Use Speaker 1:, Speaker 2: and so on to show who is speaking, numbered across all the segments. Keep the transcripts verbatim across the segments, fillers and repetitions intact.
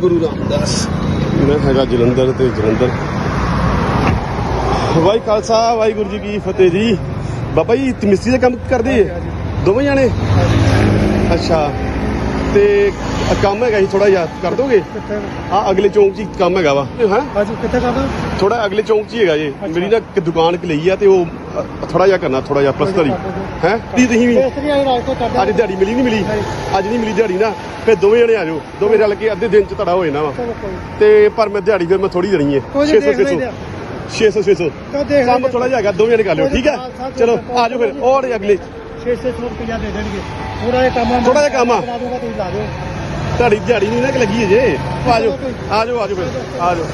Speaker 1: गुरु रामदास। मैं हैगा जलंधर ते जलंधर। वाई खालसा वाहिगुरू जी की फतेह जी। बाबा जी मिस्त्री का काम करदे दोवें जाने? अच्छा ते काम है थोड़ा जिहा कर दोगे? हाँ अगले चौंक च काम है वा थोड़ा अगले चौंक च ही है जी। मेरी ना दुकान लई है तो थोड़ा जिहा करना थोड़ा जिहा प्लस्तर ही है। तुसीं भी अज दिहाड़ी मिली नहीं मिली? अज नहीं मिली दिहाड़ी ना फिर दोवें जने आ जाओ दोवें रल के अद्धे दिन च तुहाडा हो जाना वा। ते पर मैं दिहाड़ी फिर मैं थोड़ी देनी है छे सौ छे सौ छे सौ छे सौ काम थोड़ा जिहा है दोवें जने कर लियो ठीक है। चलो आ जाओ फिर और अगले
Speaker 2: छे सौ रुपया दे देंगे थोड़ा जिहा काम
Speaker 1: थोड़ा जिहा काम ਤੁਹਾਡੀ ਦਿਹਾੜੀ ਨਹੀਂ ਨਾ ਕਿ ਲੱਗੀ ਜੇ। ਆ ਜਾਓ ਆ ਜਾਓ ਆ ਜਾਓ ਫਿਰ ਆ ਜਾਓ।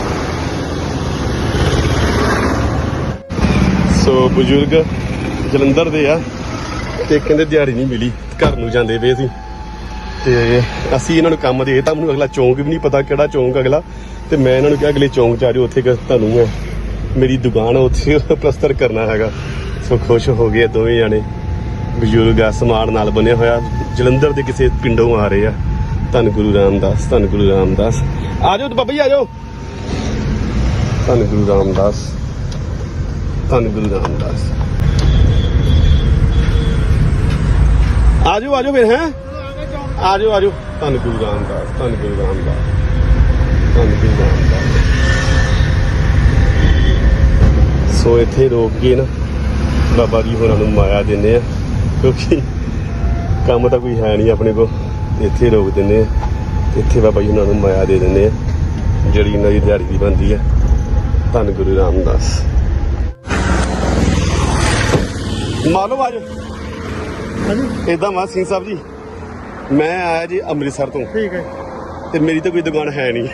Speaker 1: ਸੋ ਬਜ਼ੁਰਗ ਜਲੰਧਰ ਦੇ ਆ ਤੇ ਕਹਿੰਦੇ ਦਿਹਾੜੀ ਨਹੀਂ ਮਿਲੀ ਘਰ ਨੂੰ ਜਾਂਦੇ ਪਏ ਸੀ ਤੇ ਅਸੀਂ ਇਹਨਾਂ ਨੂੰ ਕੰਮ ਦੇ ਤਾਂ ਮੈਨੂੰ ਅਗਲਾ ਚੌਂਕ ਵੀ ਨਹੀਂ ਪਤਾ ਕਿਹੜਾ ਚੌਂਕ ਅਗਲਾ ਤੇ ਮੈਂ ਇਹਨਾਂ ਨੂੰ ਕਿਹਾ ਅਗਲੇ ਚੌਂਕ ਚ ਆ ਜਾਓ ਉੱਥੇ ਤੁਹਾਨੂੰ ਮੇਰੀ ਦੁਕਾਨ ਉੱਥੇ ਪਲਸਤਰ ਕਰਨਾ ਹੈਗਾ। ਸੋ ਖੁਸ਼ ਹੋ ਗਏ ਦੋਵੇਂ ਜਾਣੇ। ਬਜ਼ੁਰਗ ਆ ਸਮਾਨ ਨਾਲ ਬਣਿਆ ਹੋਇਆ ਜਲੰਧਰ ਦੇ ਕਿਸੇ ਪਿੰਡੋਂ ਆ ਰਹੇ ਆ। ਧੰਨ ਗੁਰੂ ਰਾਮਦਾਸ ਧੰਨ ਗੁਰੂ ਰਾਮਦਾਸ। ਆ ਜਾਓ ਬਾਬਾ ਜੀ ਆ ਜਾਓ। ਧੰਨ ਗੁਰੂ ਰਾਮਦਾਸ ਧੰਨ ਗੁਰੂ ਰਾਮਦਾਸ। ਆ ਜਾਓ ਆ ਜਾਓ ਫਿਰ ਹੈ ਆ ਜਾਓ ਆ ਜਾਓ। ਧੰਨ ਗੁਰੂ ਰਾਮਦਾਸ ਧੰਨ ਗੁਰੂ ਰਾਮਦਾਸ ਧੰਨ ਗੁਰੂ ਰਾਮਦਾਸ। ਸੋ ਇੱਥੇ ਰੋਕ ਕੇ ਨਾ ਬਾਬਾ ਜੀ ਹੋਰਾਂ ਨੂੰ ਮਾਇਆ ਦਿੰਦੇ ਆ ਕਿਉਂਕਿ ਕੰਮ ਤਾਂ ਕੋਈ ਹੈ ਨਹੀਂ ਆਪਣੇ ਕੋਲ। ਇੱਥੇ ਰੋਕ ਦਿੰਦੇ ਆ ਇੱਥੇ ਬਾਬਾ ਜੀ ਉਹਨਾਂ ਨੂੰ ਮਾਇਆ ਦੇ ਦਿੰਦੇ ਆ ਜਿਹੜੀ ਇਹਨਾਂ ਦੀ ਦਿਹਾੜੀ ਦੀ ਬਣਦੀ ਆ। ਧੰਨ ਗੁਰੂ ਰਾਮਦਾਸ। ਮਾਲੋ ਆਜੋ ਏਦਾਂ ਮਾ ਸਿੰਘ ਸਾਹਿਬ ਜੀ ਮੈਂ ਆਇਆ ਜੀ ਅੰਮ੍ਰਿਤਸਰ ਤੋਂ
Speaker 2: ਠੀਕ ਹੈ
Speaker 1: ਤੇ ਮੇਰੀ ਤਾਂ ਕੋਈ ਦੁਕਾਨ ਹੈ ਨਹੀਂ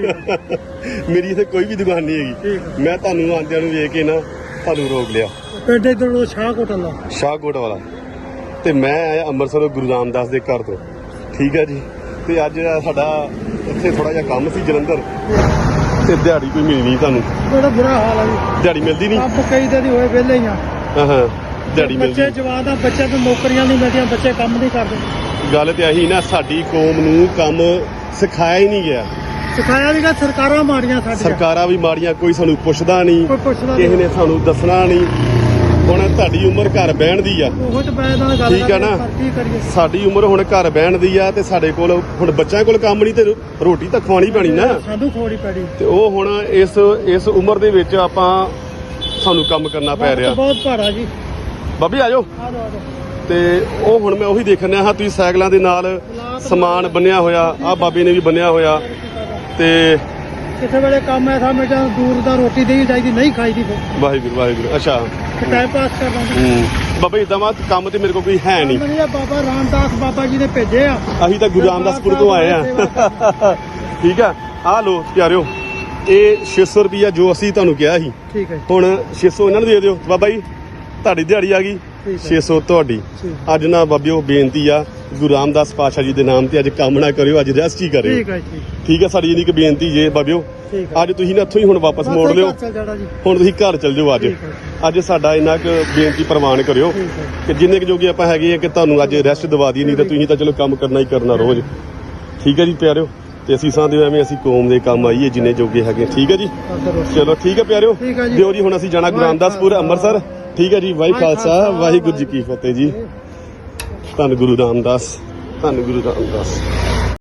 Speaker 1: ਮੇਰੀ ਇੱਥੇ ਕੋਈ ਵੀ ਦੁਕਾਨ ਨਹੀਂ ਹੈਗੀ। ਮੈਂ ਤੁਹਾਨੂੰ ਆਂਦਿਆਂ ਨੂੰ ਵੇਖ ਕੇ ਨਾ ਤੁਹਾਨੂੰ ਰੋਕ ਲਿਆ।
Speaker 2: ਪਿੰਡ ਇੱਧਰ ਸ਼ਾਹਕੋਟ ਵਾਲਾ
Speaker 1: ਸ਼ਾਹਕੋਟ ਵਾਲਾ ਤੇ ਮੈਂ ਆਇਆ ਅੰਮ੍ਰਿਤਸਰ ਗੁਰੂ ਰਾਮਦਾਸ ਦੇ ਘਰ ਤੋਂ ਠੀਕ ਹੈ ਜੀ। ਤੇ ਅੱਜ ਸਾਡਾ ਇੱਥੇ ਥੋੜਾ ਜਿਹਾ ਕੰਮ ਸੀ ਜਲੰਧਰ ਤੇ ਦਿਹਾੜੀ ਕੋਈ ਮਿਲੀ ਨਹੀਂ ਤੁਹਾਨੂੰ?
Speaker 2: ਬੜਾ ਬੁਰਾ ਹਾਲ ਹੈ ਜੀ
Speaker 1: ਦਿਹਾੜੀ ਮਿਲਦੀ ਨਹੀਂ?
Speaker 2: ਕੰਮ ਕਈ ਦਿਨ ਹੋਏ ਵਿਹਲੇ ਹੀ ਆ।
Speaker 1: ਹਾਂ ਹਾਂ ਦਿਹਾੜੀ ਮਿਲਦੀ
Speaker 2: ਬੱਚੇ ਜਵਾਨ ਆ ਬੱਚਿਆਂ ਨੂੰ ਨੌਕਰੀਆਂ ਨਹੀਂ ਮਿਲਦੀਆਂ ਬੱਚੇ ਕੰਮ ਨਹੀਂ ਕਰਦੇ।
Speaker 1: ਗੱਲ ਤੇ ਆਹੀ ਨਾ ਸਾਡੀ ਕੌਮ ਨੂੰ ਕੰਮ ਸਿਖਾਇਆ ਹੀ ਨਹੀਂ ਗਿਆ।
Speaker 2: ਸਿਖਾਇਆ ਨਹੀਂ ਗਿਆ ਸਰਕਾਰਾਂ ਮਾੜੀਆਂ ਸਾਡੀਆਂ
Speaker 1: ਸਰਕਾਰਾਂ ਵੀ ਮਾੜੀਆਂ ਕੋਈ ਸਾਨੂੰ ਪੁੱਛਦਾ ਨਹੀਂ
Speaker 2: ਕੋਈ ਪੁੱਛਦਾ
Speaker 1: ਕਿਸੇ ਨੇ ਸਾਨੂੰ ਦੱਸਣਾ ਨਹੀਂ। ਹੁਣ ਤੁਹਾਡੀ ਉਮਰ ਘਰ ਬਹਿਣ ਦੀ ਆ
Speaker 2: ਉਹ ਤੇ ਮੈਂ ਨਾਲ ਗੱਲ
Speaker 1: ਠੀਕ ਆ ਨਾ।
Speaker 2: ਕੀ ਕਰੀਏ
Speaker 1: ਸਾਡੀ ਉਮਰ ਹੁਣ ਘਰ ਬਹਿਣ ਦੀ ਆ ਤੇ ਸਾਡੇ ਕੋਲ ਹੁਣ ਬੱਚਿਆਂ ਕੋਲ ਕੰਮ ਨਹੀਂ ਤੇ ਰੋਟੀ ਤਾਂ ਖਵਾਉਣੀ ਪੈਣੀ ਨਾ
Speaker 2: ਸਾਨੂੰ ਖਵਾਉਣੀ ਪੈਣੀ ਤੇ
Speaker 1: ਉਹ ਹੁਣ ਇਸ ਇਸ ਉਮਰ ਦੇ ਵਿੱਚ ਆਪਾਂ ਸਾਨੂੰ ਕੰਮ ਕਰਨਾ ਪੈ ਰਿਹਾ।
Speaker 2: ਬਹੁਤ ਭਾਰਾ ਜੀ
Speaker 1: ਬਾਬੀ ਆ ਜਾਓ।
Speaker 2: ਆ ਜਾਓ ਆ ਜਾਓ।
Speaker 1: ਤੇ ਉਹ ਹੁਣ ਮੈਂ ਉਹੀ ਦੇਖਣ ਰਿਹਾ ਹਾਂ ਤੁਸੀਂ ਸਾਈਕਲਾਂ ਦੇ ਨਾਲ ਸਮਾਨ ਬੰਨਿਆ ਹੋਇਆ ਆ ਬਾਬੇ ਨੇ ਵੀ ਬੰਨਿਆ ਹੋਇਆ ਤੇ
Speaker 2: ਕਿਸੇ ਵੇਲੇ ਕੰਮ ਐਸਾ ਮੈਂ ਜਾਂ ਦੂਰ ਦਾ ਰੋਟੀ ਦੇਈ ਜਾਈਦੀ ਨਹੀਂ ਖਾਈਦੀ ਫਿਰ
Speaker 1: ਵਾਹਿਗੁਰੂ ਵਾਹਿਗੁਰੂ। ਅੱਛਾ
Speaker 2: ਟਾਈਮ ਪਾਸ ਕਰਦਾ
Speaker 1: ਹੂੰ ਬਾਬਾ ਇਦਾਂ ਵਾ ਕੰਮ ਤੇ ਮੇਰੇ ਕੋਲ ਕੋਈ ਹੈ ਨਹੀਂ।
Speaker 2: ਬਾਬਾ ਰਾਮਦਾਸ ਬਾਬਾ ਜੀ ਨੇ ਭੇਜੇ ਆ
Speaker 1: ਅਸੀਂ ਤਾਂ ਗੁਰੂ ਰਾਮਦਾਸਪੁਰ ਤੋਂ ਆਏ ਆ ਠੀਕ ਆ। ਆ ਲੋ ਪਿਆਰਿਓ ਇਹ ਛੇ ਸੌ ਰੁਪਈਆ ਜੋ ਅਸੀਂ ਤੁਹਾਨੂੰ ਕਿਹਾ ਸੀ
Speaker 2: ਠੀਕ ਹੈ
Speaker 1: ਹੁਣ ਛੇ ਸੌ ਇਹਨਾਂ ਨੂੰ ਦੇ ਦਿਓ। ਬਾਬਾ ਜੀ ਤੁਹਾਡੀ ਦਿਹਾੜੀ ਆ ਗਈ ਛੇ ਸੌ ਤੁਹਾਡੀ। ਅੱਜ ਨਾ ਬਾਬਿਓ ਬੇਨਤੀ ਆ ਗੁਰੂ ਰਾਮਦਾਸ ਪਾਤਸ਼ਾਹ ਜੀ ਦੇ ਨਾਮ ਤੇ ਅੱਜ ਕੰਮ ਨਾ ਕਰਿਓ ਅੱਜ ਰੈਸਟ ਹੀ ਕਰਿਓ
Speaker 2: ਠੀਕ ਹੈ
Speaker 1: ਠੀਕ ਹੈ। ਸਾਡੀ ਇਹਨੀ ਕਿ ਬੇਨਤੀ ਜੇ ਬਾਬਿਓ ਅੱਜ ਤੁਸੀਂ ਨਾ ਇੱਥੋਂ ਹੀ ਹੁਣ ਵਾਪਸ ਮੋੜ ਲਿਓ ਹੁਣ ਤੁਸੀਂ ਘਰ ਚੱਲ ਜਾਓ। ਅੱਜ ਅੱਜ ਸਾਡਾ ਇੰਨਾ ਕੁ ਬੇਨਤੀ ਪ੍ਰਵਾਨ ਕਰਿਓ ਕਿ ਜਿੰਨੇ ਕੁ ਜੋਗੇ ਆਪਾਂ ਹੈਗੇ ਆ ਕਿ ਤੁਹਾਨੂੰ ਅੱਜ ਰੈਸਟ ਦਵਾ ਦਈਏ ਨਹੀਂ ਤਾਂ ਤੁਸੀਂ ਤਾਂ ਚਲੋ ਕੰਮ ਕਰਨਾ ਹੀ ਕਰਨਾ ਰੋਜ਼ ਠੀਕ ਹੈ ਜੀ ਪਿਆਰਿਓ। ਤੇ ਅਸੀਂ ਸਾਂਦੇ ਐਵੇਂ ਅਸੀਂ ਕੌਮ ਦੇ ਕੰਮ ਆਈਏ ਜਿੰਨੇ ਜੋਗੇ ਹੈਗੇ ਠੀਕ ਹੈ ਜੀ। ਚਲੋ ਠੀਕ ਹੈ ਪਿਆਰਿਓ ਦਿਓ ਜੀ ਹੁਣ ਅਸੀਂ ਜਾਣਾ ਗੁਰੂ ਰਾਮਦਾਸਪੁਰ ਅੰਮ੍ਰਿਤਸਰ ਠੀਕ ਹੈ ਜੀ। ਵਾਹਿ ਖਾਲਸਾ ਵਾਹਿਗੁਰੂ ਜੀ ਕੀ ਫਤਿਹ ਜੀ। ਧੰਨ ਗੁਰੂ ਰਾਮਦਾਸ ਧੰਨ ਗੁਰੂ ਰਾਮਦਾਸ।